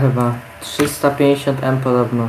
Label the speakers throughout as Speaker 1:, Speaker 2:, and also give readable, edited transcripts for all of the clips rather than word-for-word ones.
Speaker 1: chyba. 350M podobno.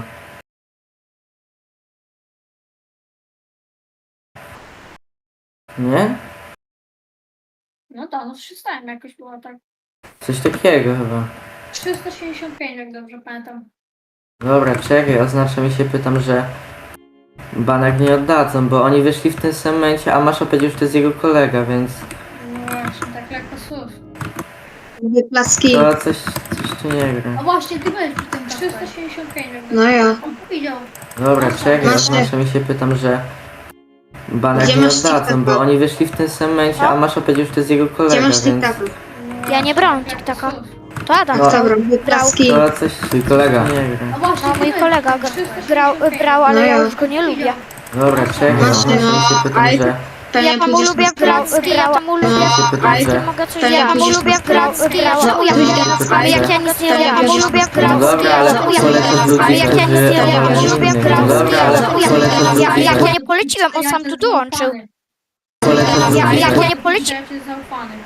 Speaker 1: Nie?
Speaker 2: No tak, no 300 jakoś było tak.
Speaker 1: Coś takiego chyba.
Speaker 2: 375, jak dobrze pamiętam.
Speaker 1: Dobra, czekaj, oznacza mi się, pytam, że banek nie oddadzą, bo oni wyszli w tym samym momencie, a Masza powiedział, że to jest jego kolega, więc
Speaker 2: No właśnie, tak lekko słów.
Speaker 3: Wyklaski.
Speaker 1: to coś tu nie gra.
Speaker 2: A właśnie, ty byłeś przy tym 375, jak dobrze
Speaker 3: No ja.
Speaker 2: pamiętam. Widział.
Speaker 1: Dobra, czekaj,
Speaker 3: Masz
Speaker 1: oznacza mi się, pytam, że banek
Speaker 3: Gdzie
Speaker 1: nie
Speaker 3: masz
Speaker 1: oddadzą,
Speaker 3: TikToka?
Speaker 1: bo oni wyszli w tym samym momencie, a Masza powiedział, że to jest jego
Speaker 3: Gdzie
Speaker 1: kolega,
Speaker 3: masz
Speaker 1: więc
Speaker 3: TikToka?
Speaker 4: Ja nie brałam
Speaker 2: Tak lekko
Speaker 4: TikToka.
Speaker 2: słów.
Speaker 4: To Adam.
Speaker 1: No.
Speaker 3: Dobra, wyklaski.
Speaker 1: to coś twój kolega nie gra.
Speaker 2: A właśnie,
Speaker 4: No
Speaker 2: ty
Speaker 4: mój
Speaker 2: byłeś
Speaker 4: kolega
Speaker 2: przy tym
Speaker 4: brał, ale
Speaker 3: No
Speaker 4: ja
Speaker 3: ja.
Speaker 4: już go nie lubię.
Speaker 1: Dobra, czekaj,
Speaker 3: Masz,
Speaker 1: oznacza mi się,
Speaker 3: no,
Speaker 1: pytam,
Speaker 3: ale-
Speaker 1: że
Speaker 3: Pewnie
Speaker 4: Ja tam
Speaker 3: pójdziesz
Speaker 4: lubię
Speaker 3: na stronę.
Speaker 4: ja tam lubię.
Speaker 3: No,
Speaker 1: ale
Speaker 4: Ja
Speaker 1: to-
Speaker 4: mogę coś
Speaker 3: Pewnie
Speaker 4: ja tam
Speaker 3: pójdziesz
Speaker 4: lubię
Speaker 3: na stronę.
Speaker 4: Czemu ja
Speaker 1: No,
Speaker 4: ale jak ja nic nie robię, ja tam lubię
Speaker 1: No dobra, ale
Speaker 4: czemu ja
Speaker 1: polecasz ludzi,
Speaker 4: ale jak ja nic nie robię, ja
Speaker 1: którzy
Speaker 4: tam lubię
Speaker 1: No dobra, ale polecasz ludzi,
Speaker 4: jak ja
Speaker 1: że...
Speaker 4: nie poleciłem, on sam tu dołączył.
Speaker 1: Polecasz ludzi,
Speaker 4: jak ja
Speaker 1: że...
Speaker 4: nie poleci...
Speaker 2: Ja cię zaufany.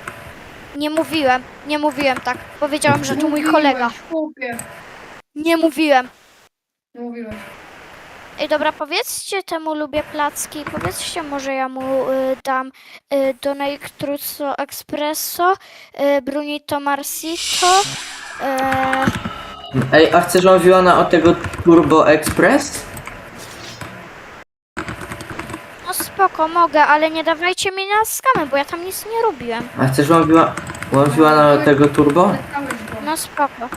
Speaker 4: Nie mówiłem tak. Powiedziałam, że to mój kolega.
Speaker 2: Mówiłeś, chłopie.
Speaker 4: Nie mówiłem.
Speaker 2: Nie mówiłeś.
Speaker 4: Ej, dobra, powiedzcie temu lubię placki. Powiedzcie może ja mu dam Donate Truzzo Espresso, Brunito Marsito.
Speaker 1: Ej, a chcesz mówiona o tego Turbo Express?
Speaker 4: No spoko, mogę, ale nie dawajcie mi na skamy, bo ja tam nic nie robiłem.
Speaker 1: A chcesz mówiona o tego Turbo?
Speaker 2: Lecałeś go.
Speaker 4: No spoko.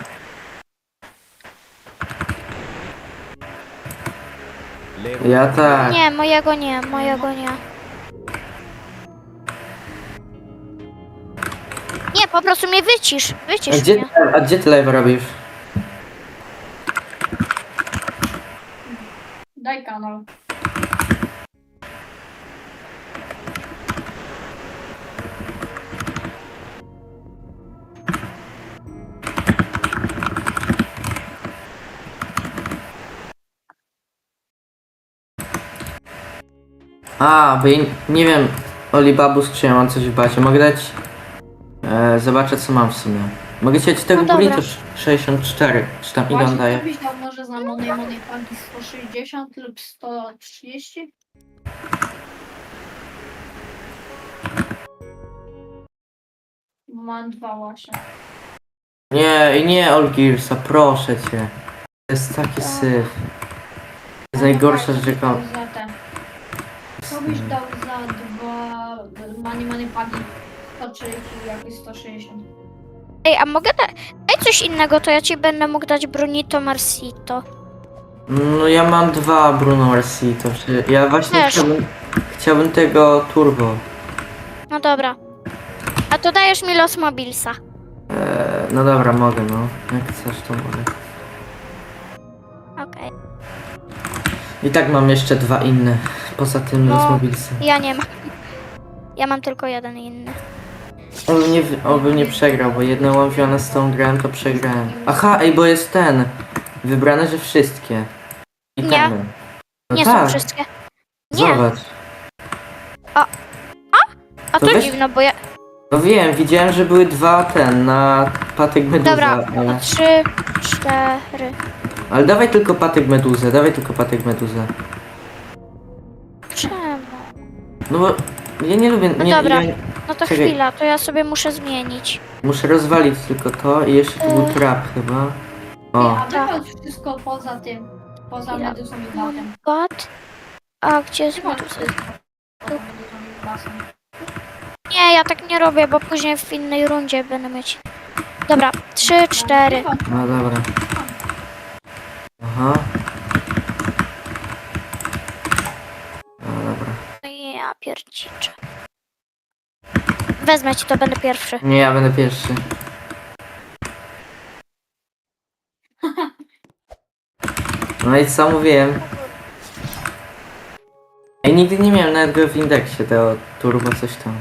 Speaker 1: Ja tak.
Speaker 4: Nie, mojego nie, mojego nie. Nie, po prostu mnie wycisz.
Speaker 1: A
Speaker 4: Wycisz
Speaker 1: gdzie,
Speaker 4: mnie.
Speaker 1: a gdzie ty live robisz?
Speaker 2: Daj kanał.
Speaker 1: A, bo ja nie wiem, Olibabus, czy ja mam coś w bazie. Mogę dać... zobaczę, co mam w sumie. Mogę ci dać tego
Speaker 4: No dobra.
Speaker 1: Burrito 64, czy tam ile on
Speaker 2: Właśnie,
Speaker 1: daje?
Speaker 2: to byś dał może za Money Panki 160 lub 130? Bo mam dwa właśnie.
Speaker 1: Nie, Olgirsa, proszę cię. To jest taki syf. To jest najgorsza rzecz, jaką...
Speaker 2: Za te. Co byś dał za dwa Money Panki 130 i jakieś 160?
Speaker 4: Ej, a mogę daj coś innego, to ja ci będę mógł dać Brunito Marsito.
Speaker 1: No ja mam dwa Bruno Marsito. Ja właśnie
Speaker 4: Też.
Speaker 1: chciałbym tego Turbo.
Speaker 4: No dobra. A to dajesz mi Los Mobilsa.
Speaker 1: No dobra, mogę, no. Jak chcesz, to mogę.
Speaker 4: Okej.
Speaker 1: I tak mam jeszcze dwa inne. Poza tym
Speaker 4: No.
Speaker 1: Los Mobilsem.
Speaker 4: Ja nie mam. Ja mam tylko jeden inny.
Speaker 1: Oby nie przegrał, bo jedną łamwione z tą grałem, to przegrałem. Aha, ej, bo jest ten. Wybrane, że wszystkie. I
Speaker 4: Nie.
Speaker 1: temy. No
Speaker 4: Nie
Speaker 1: tak,
Speaker 4: są wszystkie. Nie.
Speaker 1: Zobacz.
Speaker 4: A
Speaker 1: To
Speaker 4: to
Speaker 1: weź-
Speaker 4: dziwne, bo ja...
Speaker 1: No wiem, widziałem, że były dwa na patyk meduza,
Speaker 4: Dobra,
Speaker 1: ale...
Speaker 4: 3, 4.
Speaker 1: Ale dawaj tylko patyk meduzę, dawaj tylko patyk meduzę.
Speaker 4: Czemu?
Speaker 1: No bo ja nie lubię,
Speaker 4: No
Speaker 1: nie,
Speaker 4: dobra.
Speaker 1: ja
Speaker 4: No to
Speaker 1: Czekaj.
Speaker 4: chwila, to ja sobie muszę zmienić.
Speaker 1: muszę rozwalić tylko to i jeszcze tu był trap chyba. O,
Speaker 2: A wychodź wszystko poza tym. Poza
Speaker 4: Ja-
Speaker 2: meduzą i batem.
Speaker 4: Bot? A gdzie jest
Speaker 2: Wychodź
Speaker 4: meduza?
Speaker 2: wszystko poza meduzą i batem.
Speaker 4: Nie, ja tak nie robię, bo później w innej rundzie będę mieć. Dobra, 3, 4.
Speaker 2: Wychodź.
Speaker 1: no dobra. Aha. No dobra.
Speaker 4: Ja pierdziczę. Wezmę ci to, będę pierwszy.
Speaker 1: Nie, ja będę pierwszy. No i co mówiłem? Ej, nigdy nie miałem nawet go w indeksie, tego turbo coś tam.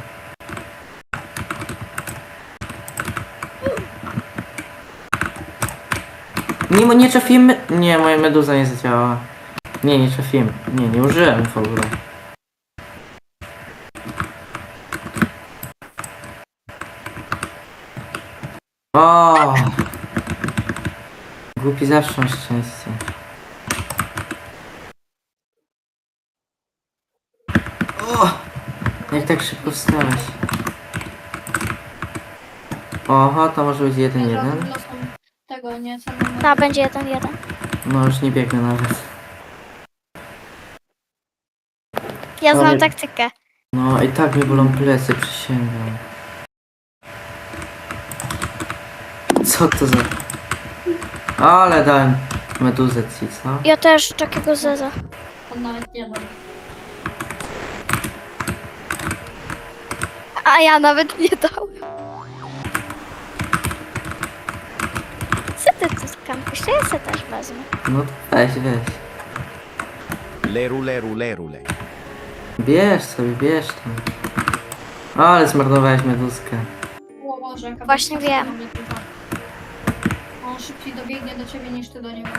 Speaker 1: Nie trafiłem Nie, moja meduza nie zadziałała. Nie trafiłem. Nie użyłem w ogóle. O! Głupi zawsze ma szczęście. O! Jak tak szybko wstałeś? Oho, to może być 1-1.
Speaker 2: Tego nie samego.
Speaker 4: Ta będzie 1-1.
Speaker 1: No już nie biegnę nawet.
Speaker 4: Ja znam
Speaker 1: Ale-
Speaker 4: taktykę.
Speaker 1: No i tak mnie bolą plecy, przysięgam. Co to za... Ale dałem meduzę ci, co?
Speaker 4: Ja też takiego zeza.
Speaker 2: On nawet nie ma.
Speaker 4: A ja nawet nie dałem. Co ty tu skampisz? Ja se też wezmę.
Speaker 1: No to weź.
Speaker 5: Lerule.
Speaker 1: Bierz sobie, bierz tam. Ale zmarnowałeś meduzkę.
Speaker 2: O Boże, jaka
Speaker 4: Właśnie
Speaker 2: bezpieczna
Speaker 4: wiem.
Speaker 2: mnie tutaj. On szybciej dobiegnie do ciebie niż ty do niego.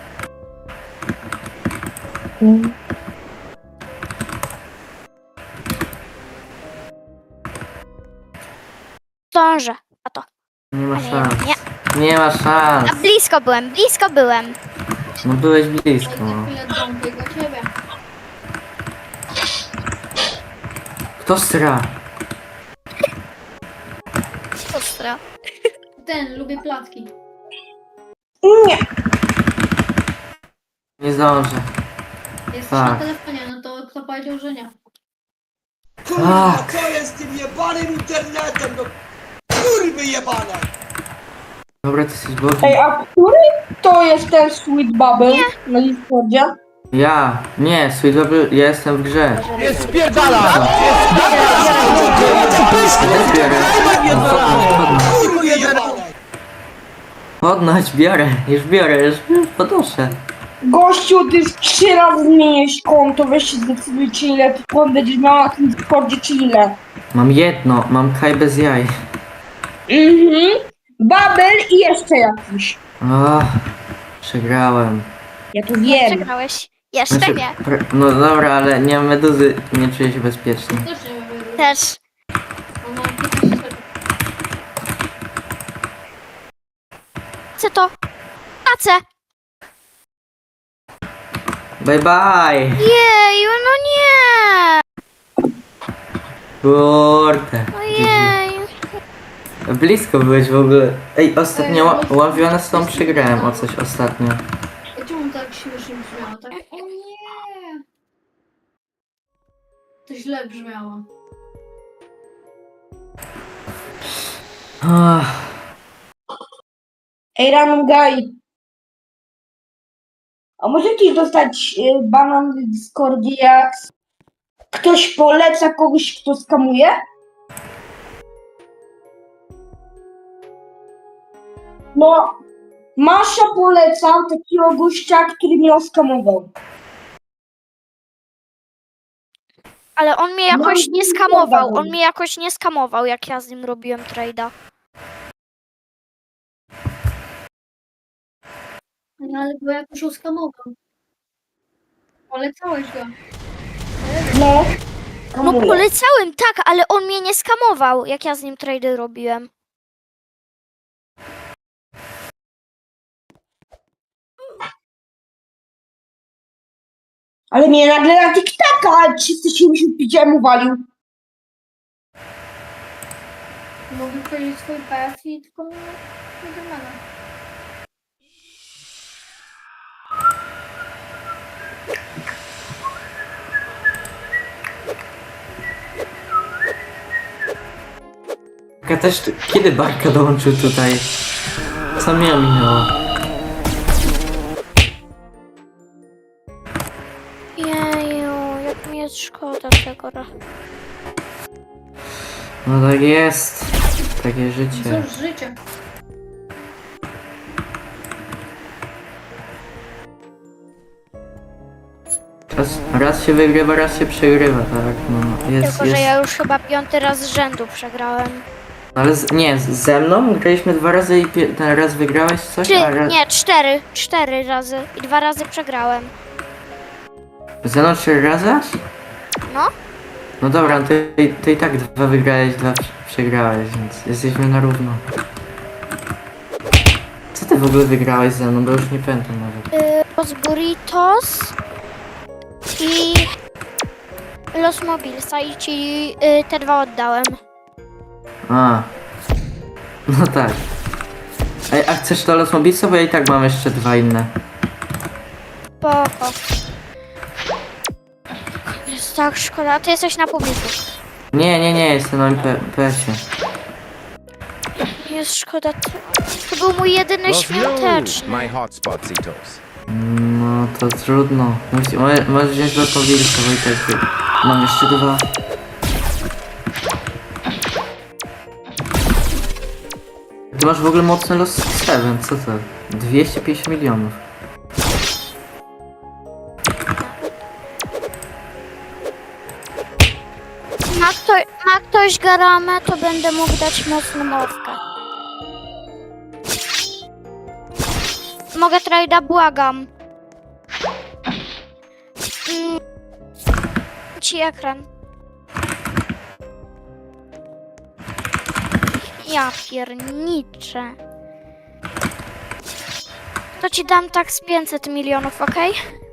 Speaker 4: Zdążę. A to.
Speaker 1: Nie ma
Speaker 4: Ale
Speaker 1: szans.
Speaker 4: nie.
Speaker 1: Nie ma szans.
Speaker 4: A blisko byłem.
Speaker 1: No byłeś blisko.
Speaker 2: Ale za chwilę drąbię do ciebie.
Speaker 1: Kto stra?
Speaker 4: Ostra.
Speaker 2: Ten, lubię placki.
Speaker 1: Nie zdążę.
Speaker 2: Jesteś
Speaker 1: Tak.
Speaker 2: na telefonie, no to kto powiedział, że nie?
Speaker 6: Kurwa,
Speaker 1: Tak.
Speaker 6: co jest z tym jebanym internetem, no kurwy jebane!
Speaker 1: Dobra, ty jesteś bogi.
Speaker 7: Ej, a który to jest ten Sweet Bubble na Discordzie?
Speaker 1: Ja. Nie, Sweet Bubble, ja jestem w grze.
Speaker 5: Jest spierdala!
Speaker 1: Też biorę.
Speaker 6: Kurwy jebane!
Speaker 1: Podnoś, biorę. Już podnoszę.
Speaker 7: Gościu, ty z 3 razy zmieniłeś konto, weź się zdecydujcie ile ty kont będziesz miał na tym Discordzie, czy ile.
Speaker 1: Mam jedno, mam kaj bez jaj.
Speaker 7: Bubble i jeszcze jakiś.
Speaker 1: O, przegrałem.
Speaker 7: Ja to wiem.
Speaker 4: Przegrałeś. Jeszcze
Speaker 1: Znaczy,
Speaker 4: nie.
Speaker 1: No dobra, ale nie mam meduzy, nie czuję się bezpiecznie.
Speaker 2: Też nie wiem.
Speaker 4: Też.
Speaker 2: On ma 15 sekund.
Speaker 4: Chcę to. Pacę.
Speaker 1: Bye bye!
Speaker 4: Jeju, no nie.
Speaker 1: Kurde.
Speaker 4: Ojej.
Speaker 1: Blisko byłeś w ogóle. Ej, ostatnio
Speaker 2: Ej,
Speaker 1: ławione z tą przegrałem o coś ostatnio.
Speaker 2: Czemu tak śmiesznie brzmiało? Tak? O nie! To źle brzmiało.
Speaker 1: Ach,
Speaker 7: Ej, Random Guy. A możecie dostać banan w Discordzie, jak ktoś poleca kogoś, kto skamuje? No, Masza polecał takiego gościa, który mnie oskamował.
Speaker 4: Ale on mnie
Speaker 7: No
Speaker 4: jakoś
Speaker 7: i
Speaker 4: nie
Speaker 7: nie
Speaker 4: skamował.
Speaker 7: gadam.
Speaker 4: On mnie jakoś nie skamował, jak ja z nim robiłem trade'a.
Speaker 2: No ale go jakoś uskamował. Polecałeś go.
Speaker 7: No,
Speaker 4: No
Speaker 7: skamuje.
Speaker 4: polecałem, tak, ale on mnie nie skamował, jak ja z nim trade'y robiłem.
Speaker 7: Ale mnie nagle na TikToka 375 uwalił.
Speaker 2: Mógłby powiedzieć swój PS i tylko nie wygląda.
Speaker 1: ja też, kiedy Barka dołączył tutaj? Co mnie minęło?
Speaker 4: Jeju, jak mi jest szkoda tego.
Speaker 1: No tak jest. Takie życie.
Speaker 2: Cóż, życie.
Speaker 1: Raz się wygrywa, raz się przegrywa, tak? No, jest,
Speaker 4: Tylko, że
Speaker 1: jest.
Speaker 4: ja już chyba 5. raz z rzędu przegrałem.
Speaker 1: Ale nie, ze mną graliśmy 2 razy i ten raz wygrałeś coś, a raz...
Speaker 4: Nie, 4. 4 razy. I 2 razy przegrałem.
Speaker 1: Ze mną 4 razy? aż?
Speaker 4: No.
Speaker 1: No dobra, no ty i tak 2 wygrałeś, 2 przegrałeś, więc jesteśmy na równo. Co ty ty w ogóle wygrałeś ze mną, bo już nie pamiętam nawet.
Speaker 4: Los Burritos i Los Mobilsa i ci te dwa oddałem.
Speaker 1: A. No tak. Ej, a chcesz to Los Mobilsa, bo ja i tak mam jeszcze dwa inne.
Speaker 4: Spoko. Jest tak szkoda, a ty jesteś na publiku.
Speaker 1: Nie, jestem na PS-ie.
Speaker 4: Jest szkoda, to był mój jedyny
Speaker 5: Los
Speaker 4: świąteczny.
Speaker 5: my hotspot, Zitos.
Speaker 1: No to trudno. Możesz wziąć Los Mobilsa, bo i tak mam jeszcze dwa. Ty masz w ogóle mocny Los 7, co to? 250 milionów.
Speaker 4: Ma ktoś garamę, to będę mógł dać mocną mowkę. Mogę trajda, błagam. Ci ekran. Ja pierniczę. To ci dam tak z 500 milionów, okej?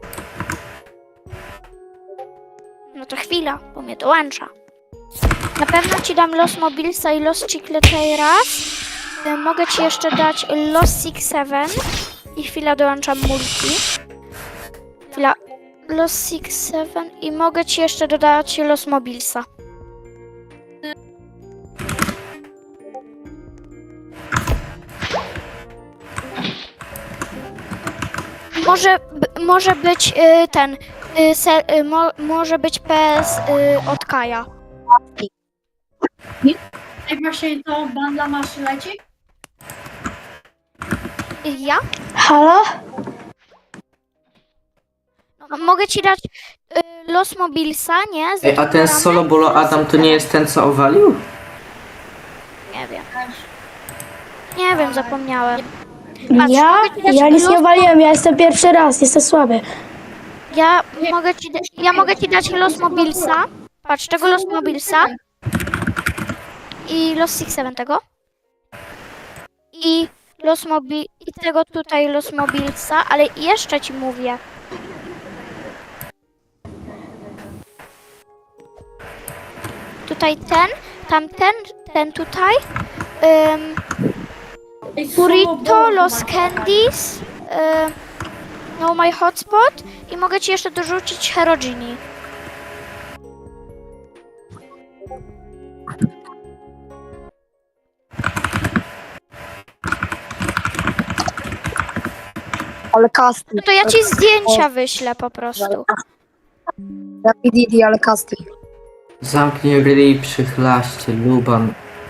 Speaker 4: No to chwila, bo mnie dołącza. Na pewno ci dam Los Mobilsa i Los Chicleteras. Mogę ci jeszcze dać Los Six Seven. I chwila, dołączam multi. Chwila. Los Six Seven. I mogę ci jeszcze dodać Los Mobilsa. Może być ten. Może być PS od Kaja.
Speaker 2: Jak właśnie to banda masz leci?
Speaker 4: Ja?
Speaker 7: Halo?
Speaker 4: Mogę ci dać Los Mobilsa, nie? Z
Speaker 1: Ej, a ten
Speaker 4: reklamami.
Speaker 1: Solo Bolo Adam to nie jest ten, co owalił?
Speaker 4: Nie wiem.
Speaker 2: Też.
Speaker 4: Nie wiem, zapomniałem. Patrz,
Speaker 7: Ja?
Speaker 4: mogę ci dać
Speaker 7: Ja nic nie
Speaker 4: Los-
Speaker 7: waliłem, ja jestem pierwszy raz, jestem słaby.
Speaker 4: Ja mogę ci dać Los Mobilsa. Patrz, tego Los Mobilsa. I Los Six Seven tego. I tego tutaj Los Mobilsa, ale jeszcze ci mówię. Tutaj ten, tamten, ten tutaj.
Speaker 2: Ej, solo
Speaker 4: Burrito,
Speaker 2: bolo
Speaker 4: Los
Speaker 2: chyba.
Speaker 4: Candies. No My Hotspot. I mogę ci jeszcze dorzucić Herogini.
Speaker 8: Ale kasty.
Speaker 4: No to ja ci zdjęcia wyślę po prostu.
Speaker 8: Didi, ale kasty.
Speaker 1: Zamknij ryj, przychlaście, Luban.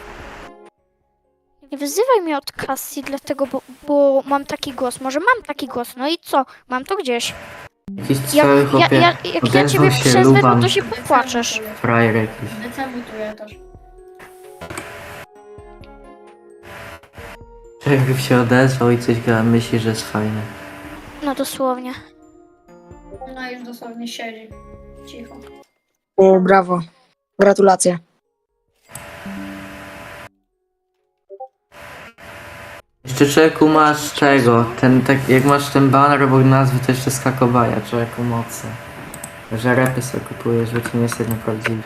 Speaker 4: Nie wyzywaj mnie od Cassie, dlatego, bo mam taki głos. Może mam taki głos, no i co? Mam to gdzieś.
Speaker 1: Jakiś cały chłopie.
Speaker 4: Jak ja
Speaker 1: odezwał
Speaker 4: ciebie
Speaker 1: się
Speaker 4: przezwę, no
Speaker 1: Luban.
Speaker 4: to się popłaczesz.
Speaker 1: Frajer jakiś.
Speaker 2: Decemutuje też.
Speaker 1: Jakby się odezwał i coś myśli, że jest fajne.
Speaker 4: No dosłownie.
Speaker 2: Ona już dosłownie siedzi. Cicho.
Speaker 8: O, brawo. Gratulacje.
Speaker 1: Jeszcze człowieku masz tego, tak jak masz ten banner obok nazwy, to jeszcze skakobaja, człowieku mocy. Że repy sobie kupujesz, bo ci nie jest jedno prawdziwy.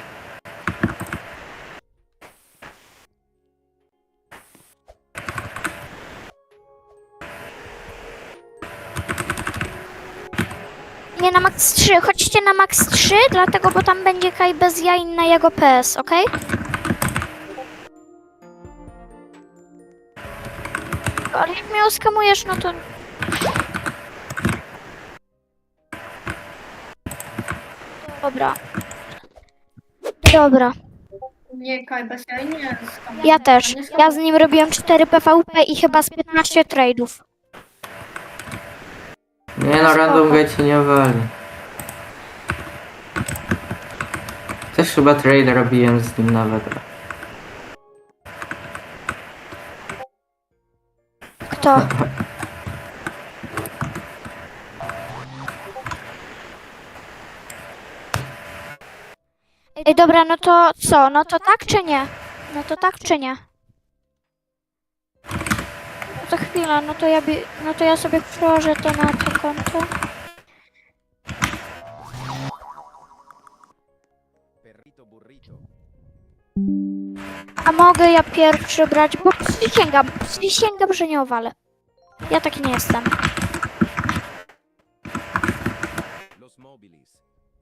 Speaker 4: Nie na max 3, chodźcie na max 3, dlatego, bo tam będzie Kaj bez jaj na jego PS, okej? Ale jak mnie oskamujesz, no to... Dobra. Dobra,
Speaker 2: Nie, Kaj, bez jaj nie.
Speaker 4: ja też. Ja z nim robiłem 4 PvP i chyba z 15 trade'ów.
Speaker 1: Nie no, random guy cię nie wali. Też chyba trade robiłem z nim nawet.
Speaker 4: Kto? Ej, dobra, no to co? No to tak czy nie? No to tak czy nie? to chwila, no to ja sobie przełożę to na to konto.
Speaker 5: Perrito burrito.
Speaker 4: A mogę ja pierwszy brać, bo przysięgam, że nie owalę. Ja taki nie jestem.
Speaker 5: Los móviles.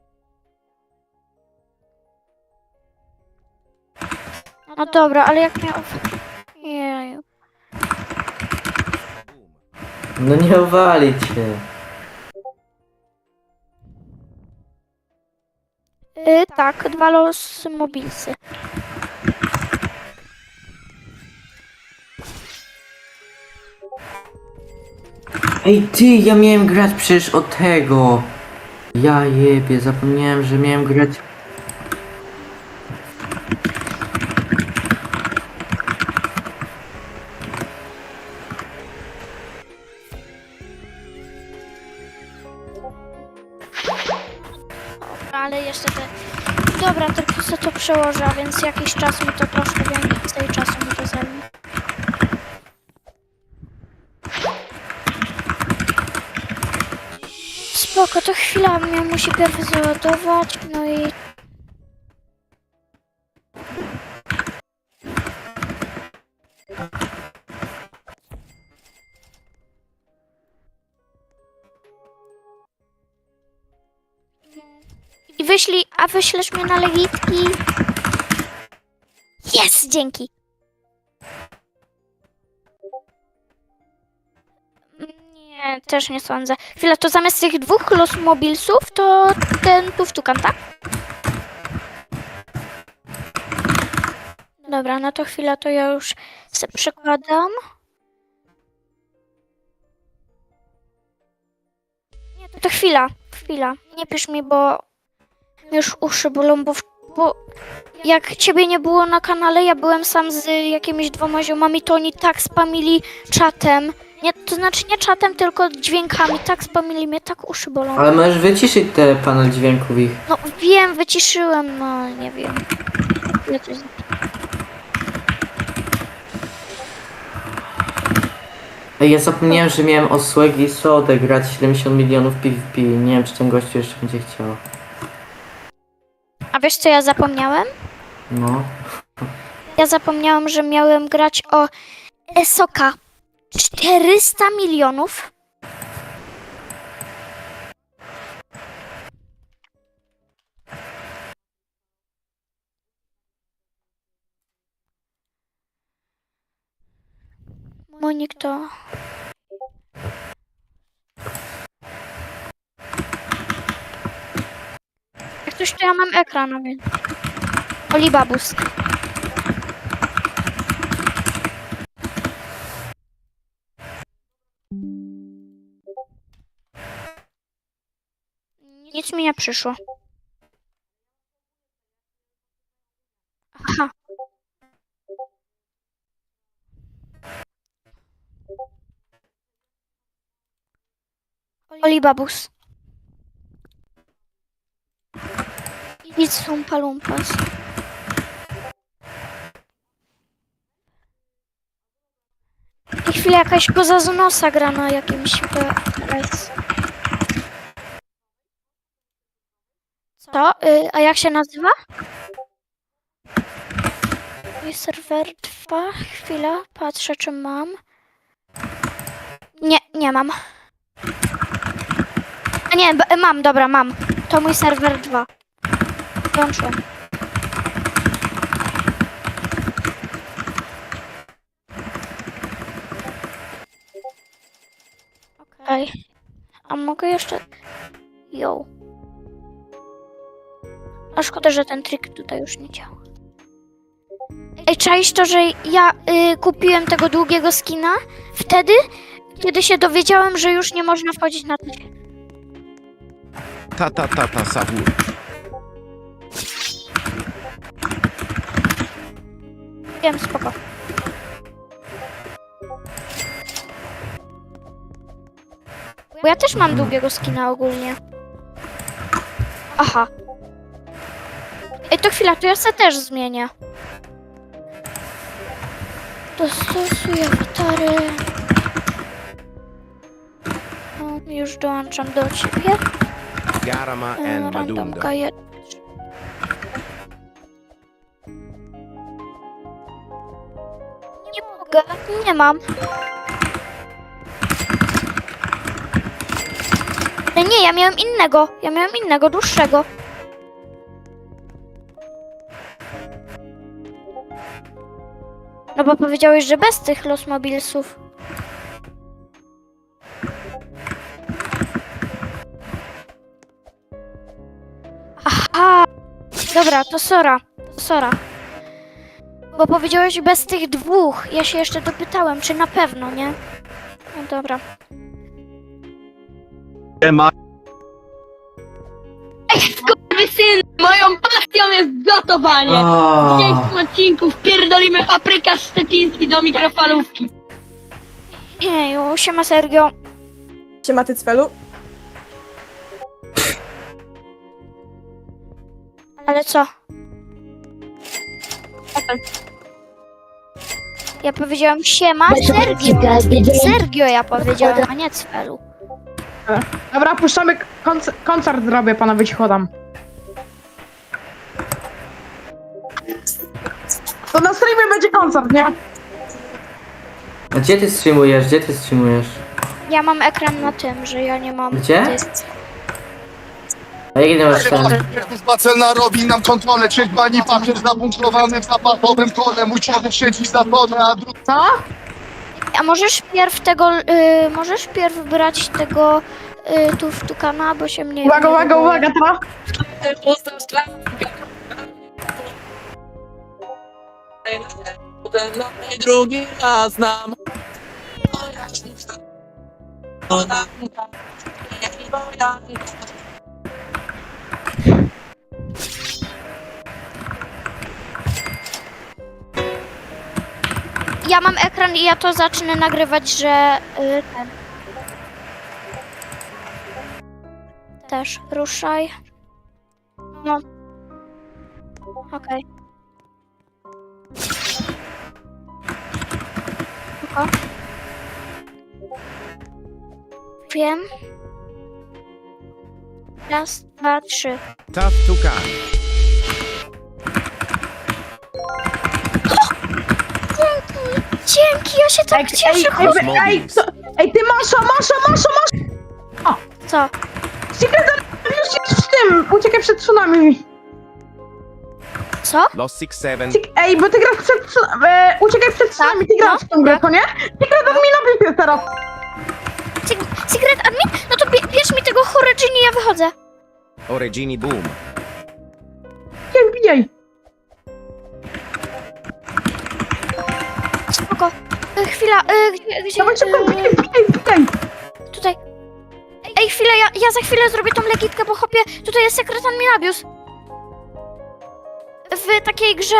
Speaker 4: No dobra, ale jak mnie Jeju.
Speaker 5: Boom.
Speaker 1: No nie uwalić się.
Speaker 4: Tak, 2 los mobilsy.
Speaker 1: Ej ty, ja miałem grać przecież o tego. Ja jebie, zapomniałem, że miałem grać...
Speaker 4: Ale jeszcze te... Dobra, tylko sobie to przełożę, a więc jakiś czas mi to troszkę więcej czasu mi to zajmie. Spoko, to chwila mnie musi pierw załadować, no i... wyślesz mnie na legitki? Jest, dzięki. Nie, też nie sądzę. Chwila, to zamiast tych 2 los mobilsów, to ten tuftukan, tak? Dobra, no to chwila, to ja już se przekładam. Nie, to chwila. Nie pisz mi, bo już uszy bolą, bo jak ciebie nie było na kanale, ja byłem sam z jakimiś 2 ziomami, to oni tak spamili czatem. Nie, to znaczy nie czatem, tylko dźwiękami. Tak spamili mnie, tak uszy bolą.
Speaker 1: Ale możesz wyciszyć te panel dźwięków ich.
Speaker 4: No wiem, wyciszyłem, no nie wiem. Ja coś...
Speaker 1: Ej, ja zapomniałem, że miałem osłegi i sodę grać 70 milionów PvP. Nie wiem, czy ten gościu jeszcze będzie chciał.
Speaker 4: A wiesz co ja zapomniałem?
Speaker 1: No.
Speaker 4: Ja zapomniałam, że miałem grać o Esoka. 400 milionów. Monik to... Jak coś to ja mam ekran, a więc... Olibabus. Nic mi nie przyszło. Aha. Olibabus. Idź sumpa lumpas. I chwilę jakaś koza z nosa gra na jakimś PS. Co? A jak się nazywa? Mój serwer 2. Chwila, patrzę czy mam. Nie mam. A nie, mam, dobra, mam. To mój serwer 2. Włączyłem. Okej. A mogę jeszcze... Yo. A szkoda, że ten trik tutaj już nie działa. Ej, czaisz to, że ja kupiłem tego długiego skina wtedy, kiedy się dowiedziałem, że już nie można wchodzić na ten...
Speaker 5: Ta, sabur.
Speaker 4: Wiem, spoko. Bo ja też mam długiego skina ogólnie. Aha. Ej, to chwila, to ja se też zmienię. Dostosuję awatary. Już dołączam do ciebie.
Speaker 5: Garama and Madundo.
Speaker 4: Randomka Nie mogę, nie mam. Nie, ja miałem innego, dłuższego. No bo powiedziałeś, że bez tych Los Mobilsów. Aha! Dobra, to Sora. Bo powiedziałeś bez tych dwóch. Ja się jeszcze dopytałem, czy na pewno, nie? No dobra.
Speaker 9: Syn, moją pasją jest gotowanie. W
Speaker 1: O,
Speaker 9: dzisiejszym odcinku wpierdolimy paprykarz szczeciński do mikrofalówki.
Speaker 4: Jeju, siema Sergio.
Speaker 10: Siema ty cwelu.
Speaker 4: Ale co? Ja powiedziałam siema Sergio. Sergio ja powiedziałam, a nie Cfelu.
Speaker 10: Dobra, puszczamy koncert zrobię, panowie, ci chodam. To na streamie będzie koncert, nie?
Speaker 1: a gdzie ty streamujesz?
Speaker 4: Ja mam ekran na tym, że ja nie mam...
Speaker 1: Gdzie? A jaki ty masz ten?
Speaker 6: Bacelna robi nam kontrolę, trzech bani papier zabunkrowany w zapachowym kole. Mój człowiek siedzi za tonę, a drugi...
Speaker 10: Co?
Speaker 4: A możesz pierw tego... możesz pierw brać tego... tukana, bo się mnie...
Speaker 10: Uwaga, teraz.
Speaker 11: Drugi raz nam.
Speaker 4: Ja mam ekran i ja to zacznę nagrywać, że... ten... Też ruszaj. No. Okej. Tylko. Wiem. Raz, dwa, trzy.
Speaker 5: Tough Tukan.
Speaker 4: Dzięki, ja się tak cieszę.
Speaker 5: Los Mobilis.
Speaker 10: Ty Masza!
Speaker 4: Co?
Speaker 10: Secret już jest w tym, uciekaj przed tsunami.
Speaker 4: Co?
Speaker 5: Los 6-7.
Speaker 10: Ej, bo ty grasz przed tsunami, uciekaj przed tsunami, ty grasz w tą grę, to nie? Secret admina bliżej teraz.
Speaker 4: Secret admin? No to bierz mi tego Horegini, ja wychodzę.
Speaker 5: Oregini Boom.
Speaker 10: Jak bijaj.
Speaker 4: Spoko. Chwila, gdzie...
Speaker 10: Dawaj szybko, bijaj.
Speaker 4: Tutaj. Ej, chwilę, ja za chwilę zrobię tą legitkę, bo chopie, tutaj jest sekret adminabius. W takiej grze.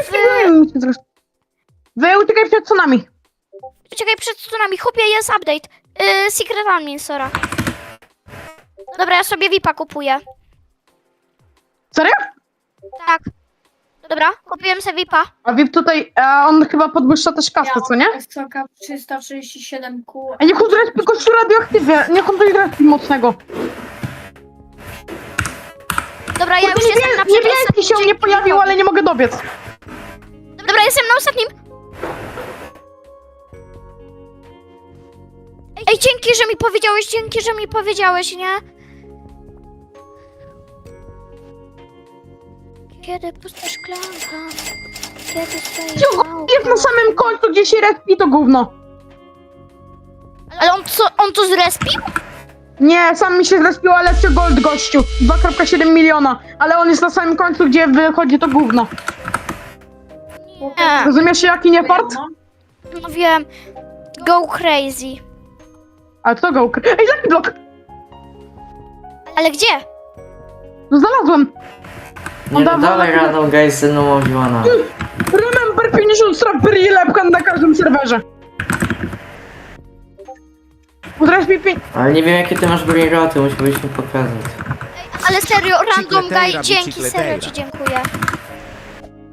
Speaker 10: Wy uciekaj przed tsunami.
Speaker 4: Uciekaj przed stronami, chopie, jest update. Secret admin, Sora. Dobra, ja sobie VIP-a kupuję.
Speaker 10: Serio?
Speaker 4: Tak. Dobra, kupiłem sobie VIP-a.
Speaker 10: A VIP tutaj, on chyba podwyższa też kasę, co nie?
Speaker 2: SCK 337Q.
Speaker 10: A niech on zrespi gościu radioaktywnie, niech on coś zrespi mocnego.
Speaker 4: Dobra, ja już jestem na
Speaker 10: Niebieski się nie pojawił, ale nie mogę dobiec.
Speaker 4: Dobra, jestem na ostatnim. Ej, dzięki, że mi powiedziałeś, nie? Kiedy pusta szklanka? Kiedy stoi
Speaker 10: Jest na samym końcu, gdzie się respi to gówno.
Speaker 4: Ale on to zrespił?
Speaker 10: Nie, sam mi się zrespił, ale lepszy gold gościu. 2,7 miliona. Ale on jest na samym końcu, gdzie wychodzi to gówno.
Speaker 4: Nie.
Speaker 10: Rozumiesz jaki nie fart?
Speaker 4: No wiem. Go crazy.
Speaker 10: Ale kto go ukrył? Ej, Lucky Block!
Speaker 4: Ale gdzie?
Speaker 10: No znalazłem.
Speaker 1: Nie no, dalej random guys ze mną mówiłana.
Speaker 10: Remember 50 strapper i lepka na każdym serwerze. Udraż mi
Speaker 1: Ale nie wiem jakie ty masz brigoty, musiałbyś mi pokazać.
Speaker 4: Ale serio, random
Speaker 5: Chicletera,
Speaker 4: guy, dzięki,
Speaker 5: bicicletera.
Speaker 4: serio ci dziękuję.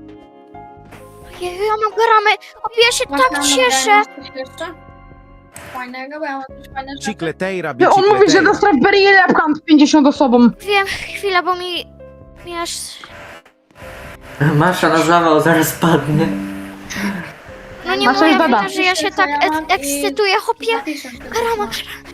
Speaker 4: Jeju, ja mam gramy. Ja się tak cieszę.
Speaker 2: fajnego, bo ja mam coś fajne rzeczy.
Speaker 5: Cicleteira
Speaker 10: On mówi, że
Speaker 5: bicicleteira.
Speaker 10: do Strawberry i Lepkant 50 osobom.
Speaker 4: Wiem, chwila, bo mi aż...
Speaker 1: Masza na zawał zaraz padnie.
Speaker 4: No nie
Speaker 10: Masza
Speaker 4: moja
Speaker 10: jest bada.
Speaker 4: wina, że ja się tak ekscytuję, chłopie.
Speaker 2: 2000.
Speaker 4: Karama,